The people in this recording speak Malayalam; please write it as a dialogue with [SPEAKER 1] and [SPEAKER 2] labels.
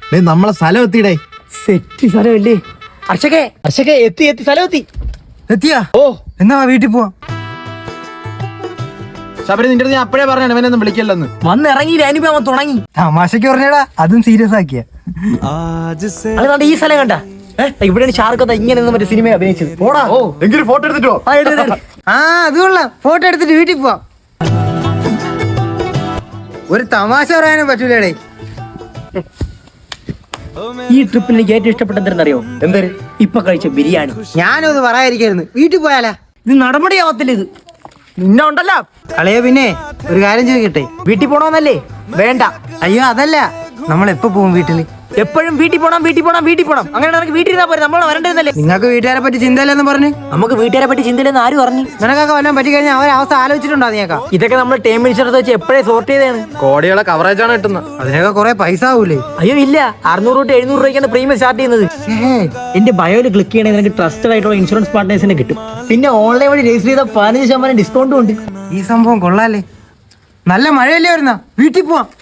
[SPEAKER 1] നമ്മളെ സ്ഥലം എത്തിയിടേ.
[SPEAKER 2] സെറ്റ് സ്ഥലമല്ലേ അർഷകേ എത്തി സ്ഥലം
[SPEAKER 3] എത്തിയാ?
[SPEAKER 1] ഓ
[SPEAKER 3] എന്നാ വീട്ടിൽ പോവാം.
[SPEAKER 1] ശബരി, നിന്റെ അടുത്ത് ഞാൻ അപ്പഴേ പറഞ്ഞാണ് ഇവനൊന്നും വിളിക്കല്ലെന്ന്.
[SPEAKER 2] വന്നിറങ്ങിയില്ല അനുഭവം തുടങ്ങി.
[SPEAKER 3] തമാശക്ക് പറഞ്ഞടാ, അതും സീരിയസ് ആക്കിയ.
[SPEAKER 2] അതുകൊണ്ട് ഈ സ്ഥലം കണ്ട ഇവിടെയാണ് ഷാർക്ക് ഇങ്ങനെ മറ്റേ സിനിമ അഭിനയിച്ചത്. പോടാ.
[SPEAKER 1] ഓ എങ്കിലും ഫോട്ടോ എടുത്തിട്ടോ.
[SPEAKER 3] ആ അത് കൊള്ളാം. ഫോട്ടോ എടുത്തിട്ട് വീട്ടിൽ പോവാം. ഒരു തമാശ പറയാനും പറ്റൂലേ.
[SPEAKER 2] ഈ ട്രിപ്പിൽ എനിക്ക് ഏറ്റവും ഇഷ്ടപ്പെട്ടെന്തറിയോ?
[SPEAKER 1] എന്തൊരു
[SPEAKER 2] ഇപ്പൊ കഴിച്ച ബിരിയാണി.
[SPEAKER 3] ഞാനും അത് പറയാതിരിക്കായിരുന്നു. വീട്ടിൽ പോയാലാ?
[SPEAKER 2] ഇത് നടപടിയാവത്തില്ല. ഇത് നിന്നെ ഉണ്ടല്ലോ
[SPEAKER 3] കളയോ. പിന്നെ ഒരു കാര്യം ചോദിക്കട്ടെ,
[SPEAKER 2] വീട്ടിൽ പോണോന്നല്ലേ? വേണ്ട.
[SPEAKER 3] അയ്യോ അതല്ല, നമ്മൾ എപ്പോ പോകും വീട്ടില്?
[SPEAKER 2] എപ്പോഴും വീട്ടിൽ പോണം. അങ്ങനെ നമുക്ക് വീട്ടിൽ ഇരുന്നാ പോരെ, നമ്മൾ വരണ്ടെന്നല്ലേ?
[SPEAKER 3] നിങ്ങൾക്ക് വീട്ടുകാരെ പറ്റി ചിന്തയില്ലെന്ന് പറഞ്ഞു.
[SPEAKER 2] നമുക്ക് വീട്ടുകാരെ പറ്റി ചിന്തയില്ലെന്ന് ആര് പറഞ്ഞു?
[SPEAKER 3] നിനക്കൊക്കെ വല്ലതും പറ്റി കഴിഞ്ഞാൽ അവരെ അവസ്ഥ ആലോചിച്ചിട്ടുണ്ടോ നീക്കാ?
[SPEAKER 2] ഇതൊക്കെ നമ്മൾ ടൈം ഇൻഷുറൻസ് വെച്ച് എപ്പോഴേ സോർട്ട് ചെയ്തതാണ്.
[SPEAKER 1] കോടികളെ കവറേജ് ആണ് കിട്ടുന്നത്.
[SPEAKER 3] അതിനൊക്കെ കുറെ പൈസ ആവൂലേ?
[SPEAKER 2] അയ്യോ ഇല്ല, 600 തൊട്ട് 700 രൂപയ്ക്കാണ് പ്രീമിയം സ്റ്റാർട്ട് ചെയ്യുന്നത്. എന്റെ ബയോയിൽ ക്ലിക്ക് ചെയ്യണമെങ്കിൽ നിനക്ക് ട്രസ്റ്റഡ് ആയിട്ടുള്ള ഇൻഷുറൻസ് പാർട്ട്നേഴ്സിനെ കിട്ടും. പിന്നെ ഓൺലൈൻ വഴി രജിസ്റ്റർ ചെയ്ത 15% ഡിസ്കൗണ്ടും ഉണ്ട്.
[SPEAKER 3] ഈ സംഭവം കൊള്ളാല്ലേ. നല്ല മഴയല്ലേ വരുന്ന, വീട്ടിൽ പോവാം.